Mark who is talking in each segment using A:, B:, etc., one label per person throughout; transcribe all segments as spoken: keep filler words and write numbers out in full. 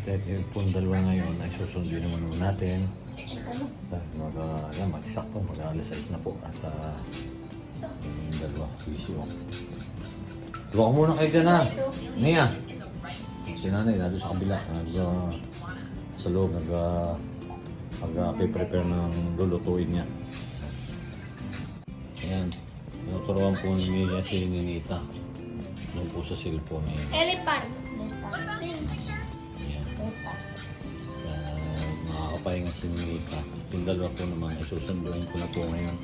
A: At yung pong dalawa ngayon ay susundin naman naman natin. At mag, uh, yan, magsakto, mag-alas sais na po. At uh, yung dalawa, busy oh. Tuwa ko muna kayo dyan ha. Nia. Si nanay, nado sa kabila. Nag, uh, sa loob, nag, uh, mag-prepare ng lulutuin niya. Ayan. Tinuturuan po ni Mia si Ninita. Ano po sa cellphone niya.
B: Elephant.
A: Ayan. Uh, makakapahinga si Ninita. Yung dalawa po naman, isusunduin ko na po ngayon.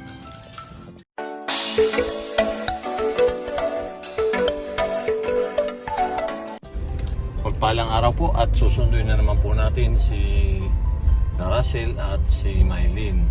A: Pagpalang araw po at susunduin na naman po natin si Russell at si Mylene.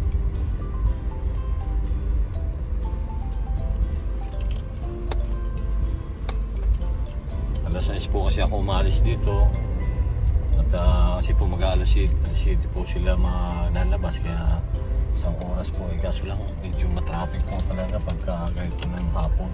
A: alas sais po kasi ako umalis dito at uh, kasi po mag-aalas city po sila malalabas kaya isang oras po eh, kaso lang medyo matraffic po talaga pagka ganito ng hapon.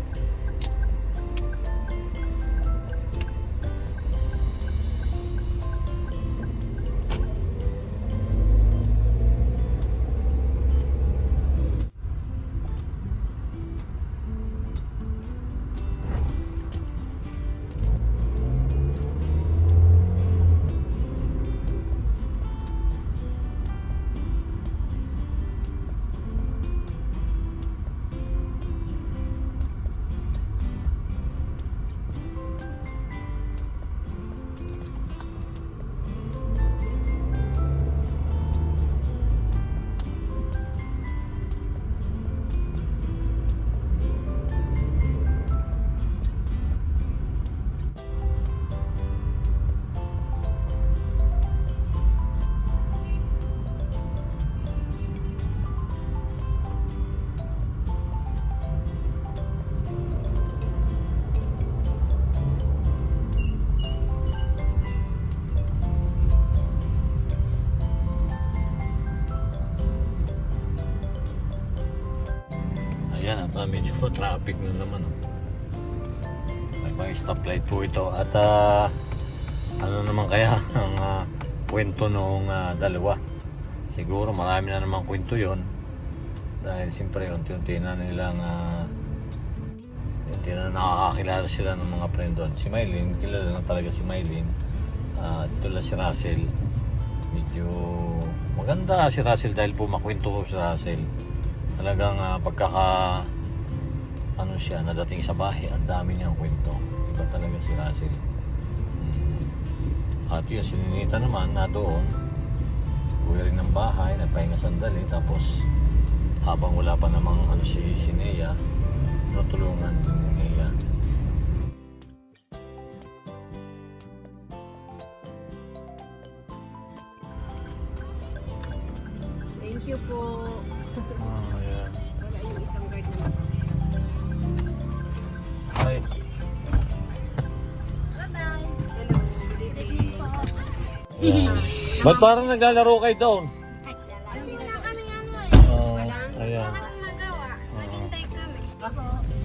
A: Ayan, at uh, medyo po traffic na naman. Oh. May mga stoplight po ito. At uh, ano naman kaya ang uh, kwento noong uh, dalawa? Siguro marami na naman kwento yon. Dahil siyempre unti-unti na nilang uh, unti na nakakakilala sila ng mga friend doon. Si Mylene, kilala lang talaga si Mylene. Uh, ito lang si Russell. Medyo maganda si Russell dahil po makwento ko si Russell. Talagang uh, pagkaka ano siya, nadating sa bahay, ang dami niyang kwento. Iba talaga si Russell. Hmm. At yun, si Ninita naman na doon, uwi rin ng bahay, nagpahinga sandali, tapos habang wala pa namang ano si, si Nea, natulungan din ni Nea.
C: Thank you po.
A: Ah, yeah.
C: Wala yung isang guard na naman.
A: Ay,
C: Bye-bye. Hello. Good evening.
A: yeah. Ba't parang naglalaro kayo doon?
B: Kasi wala kaming ano eh.
A: Oh,
C: Walang?
A: ayan.
B: Wala kaming magawa. Naghintay kami.
C: Ako.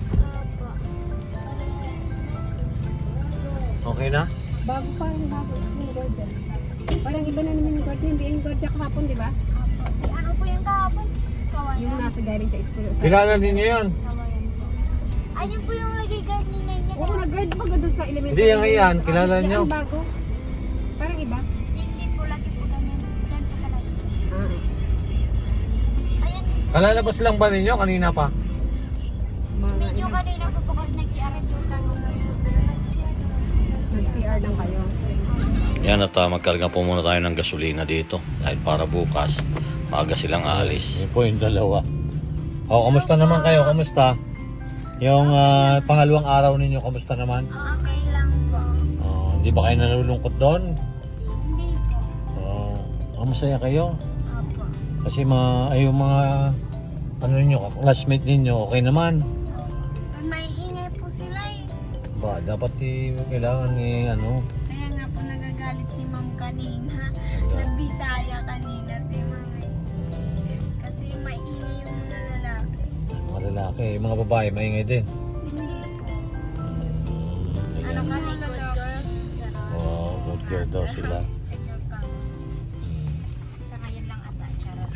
A: Okay na?
C: Bago pa yung bago yung guard dyan. Parang iba na naman yung guard dyan. Hindi yung guard dyan kahapon, di ba?
B: Si ano po yung kahapon? Kawayan.
C: Yung nasa galing sa school. Sa
A: Kilala din niyo yan?
B: Kawayan po. Ayun po yung lagay guard ni Naya.
C: Oo, nag-guard pa doon sa elementary.
A: Hindi, yan yan. Kilala
C: Yan
A: niyo?
C: ang bago. Parang iba.
B: Hindi po lagi po ganyan. Diyan po palagi.
C: Ah.
B: Ayun.
A: Kalalabas lang ba ninyo kanina pa?
C: Mga
B: Medyo
C: ano,
B: kanina po po kasi nagsi-arin po kami.
C: nag-C R lang kayo.
A: Yan at uh, magkarga po muna tayo ng gasolina dito dahil para bukas maaga silang aalis. Yun po yung dalawa. O, kamusta naman kayo? Kamusta? Yung uh, pangalawang araw ninyo, kamusta naman?
B: Okay lang po.
A: Uh, hindi ba kayo nalulungkot doon?
B: Hindi po.
A: Uh, masaya kayo?
B: Opo.
A: Kasi mga, ay, yung mga ano ninyo, classmate ninyo, okay naman?
B: May ingay po sila eh.
A: Ba, dapat i, kailangan ni ano,
B: Kaya nga po nagagalit si ma'am kanina. Nagbisaya kanina si ma'am. eh. Kasi maingay yung mga lalaki.
A: mga lalaki, yung mga babae, maingay din.
B: Hindi po.
A: Hmm,
B: Ano
A: ayan.
B: kami, good girl? Charot.
A: Wow, good Teenager daw sila.
B: Ganyan pa. Sa ngayon lang ata, charot.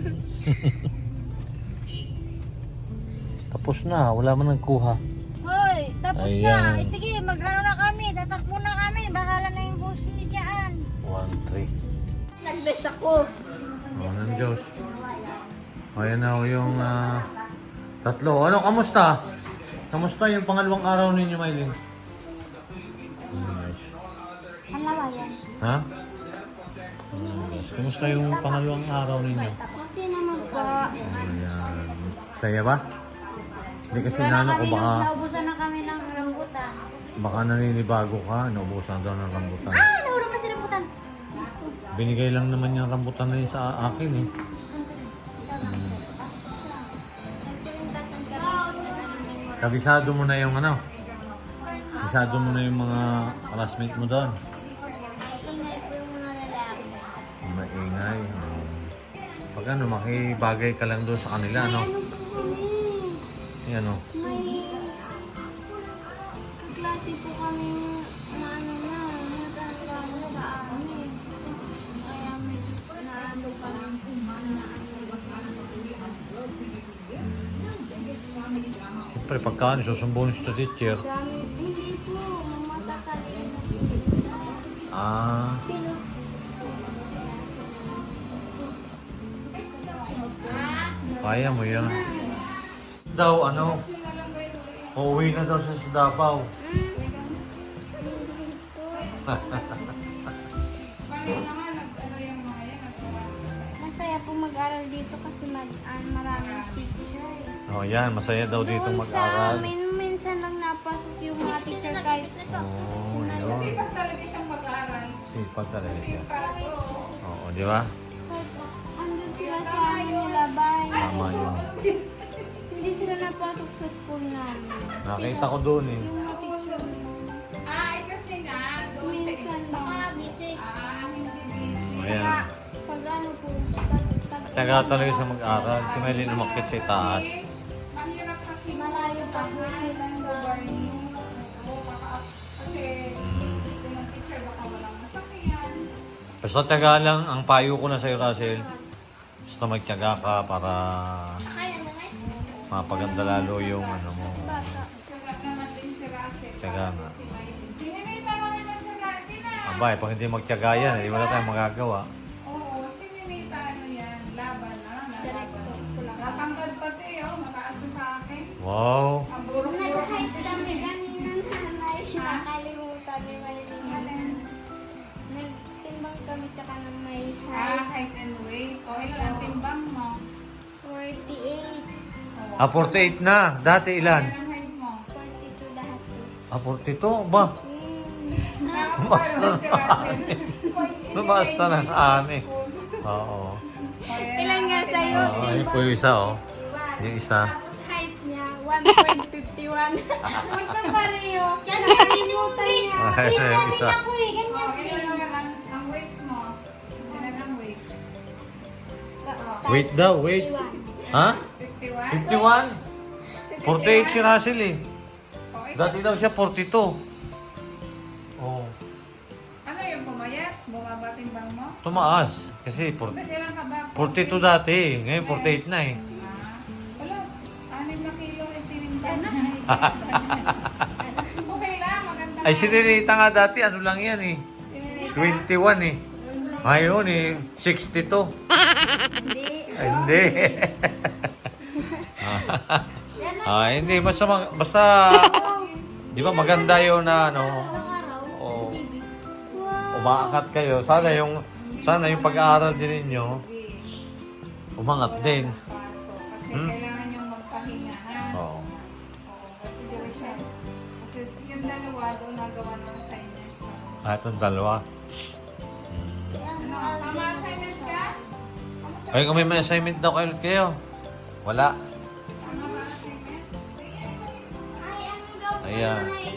A: Tapos na, wala man nagkuha.
B: Hoy, tapos
A: Ayan.
B: na. Eh, sige, mag-ano na kami. Tatakbo na kami. Bahala na yung boss ni dyan.
A: one, three.
B: Nag-best ako.
A: Oh, ng Diyos. O, yan na ho yung ah, tatlo. Ano, kamusta? Kamusta yung pangalawang araw ninyo, Maylin? Nice.
B: Halawa yan.
A: Ha? Nice. Kamusta yung pangalawang araw ninyo?
B: Okay naman po.
A: Ayan. Saya ba? Hindi kasi nano ko baka,
B: Naubusan na kami ng rambutan.
A: baka naninibago ka. Naubusan daw ng rambutan.
B: Ah, nahulog na si rambutan.
A: Binigay lang naman yung rambutan na yun sa akin eh. Kabisado mo na yung ano? Kabisado mo na yung mga classmate mo doon.
B: Ingay po yung mga lalaki.
A: Maingay. Um, pag ano, makibagay ka lang doon sa kanila, no?
B: Ano po kami?
A: Yan, no?
B: May klase po kami na ano na, natatrabaho sa amin. Kaya medyo naano kami
A: Siyempre, pagka ano, susumbuhin sa teacher.
B: Dami, hindi po, matatalino.
A: Ah,
B: Sino?
A: kaya mo yan. Daw, ano? Uuwi na daw siya sa Davao.
B: Masaya po mag-aral dito kasi mag, ah, maraming teacher.
A: Oh, yan. Masaya daw dito
B: Doon
A: mag-aral.
B: Sa amin, minsan lang napasok yung mga teacher kahit
A: Oh, yun.
C: Sipag talaga siyang mag-aaral.
A: Sipag talaga siya.
C: Para to.
A: Oo, di ba?
B: andun sila sa amin nilabay.
A: Tama yun.
B: Hindi sila napasok sa school namin.
A: Nakita ko doon eh.
B: Yung mga teacher
C: Ay, kasi nga, doon sa
B: minsan lang.
C: Ah, hindi busy.
A: Ayan.
B: Pag ano po, pag- pag-
A: Tsaga talaga siya mag-aral. Si Maylin umakit sa itaas.
C: Mahirap kasi
B: malayo pa po sila
C: ng
B: sa
C: lugar niyo. Oo, baka, kasi
A: Mm.
C: isipin ng teacher, baka walang masakyan.
A: Basta tsaga lang, ang payo ko na sa'yo, Russell. Basta magtyaga ka para mapaganda lalo yung ano mo.
C: Sarap naman din si Russell.
A: Tsaga nga.
C: Si Maylin. Sininita mo naman sa garden ah.
A: Abay, pag hindi magtyaga yan, hindi wala tayong magagawa.
C: Oo, sininita ano yan, laban na. Natangkad pati oh, mataas na sa akin.
A: Wow!
C: Ang burok-burok ng
B: Nag-hike kami kanina nanay. Nakalimutan ni Maylin. Nagtimbang kami tsaka na may
C: Ah,
B: height.
C: height and weight. O, ilan ang timbang mo?
B: forty-eight.
C: Oo.
A: Ah, forty-eight na. Dati ilan?
C: Ilan ang height mo?
B: forty-two dati.
A: Ah, forty-two? Ba?
B: Hmm.
A: Basta
C: Nakapalo si Russell.
A: Basta ng ani. Oo.
B: Ilan nga sa'yo?
A: Oo, yun po yung isa, oh. Yung isa.
B: Tapos height niya, one point five one. Magpapareho. Kaya nakalimutan niya.
A: Ay,
B: Minsan
A: yung
B: din
A: isa.
B: ako eh, ganyan.
C: Oh, ilan ang, ang, ang weight mo? Ilan ang weight?
A: Wait daw, wait. Ha?
C: fifty-one?
A: fifty-one? forty-eight si Russell eh.
C: Oh, isa-
A: Dati daw siya forty-two. Oh.
C: Ano yung pumayat? Bumaba timbang mo?
A: Tumaas. Kasi for-
C: Ba't ilan ka ba?
A: forty-two dati eh. Ngayon forty-eight na eh.
C: Ah, wala. Anim na kilo yung tinimbang. Okay lang, maganda.
A: Ay, si Renita nga dati, ano lang yan eh.
C: Sininita?
A: twenty-one eh. Ngayon eh, sixty-two.
B: Hindi.
A: Ay, hindi. ah, hindi. Basta, mag- basta di ba maganda yun na ano, oh, umaakat kayo. Sana yung, sana yung pag-aaral din ninyo, umangat din.
C: Paso. Kasi
A: Hmm?
C: kailangan yung magpahinga, ha?
A: Oo.
C: Oo, kasi dito siya. Kasi yung dalawa doon nagawa ng assignment. So,
A: Ah, itong dalawa.
C: ano, tama assignment ka?
A: Ay, kung may may assignment daw kayo ulit kayo. Wala.
C: Tama ba assignment?
B: Ay, ano daw po
A: Ayan.
B: yun ay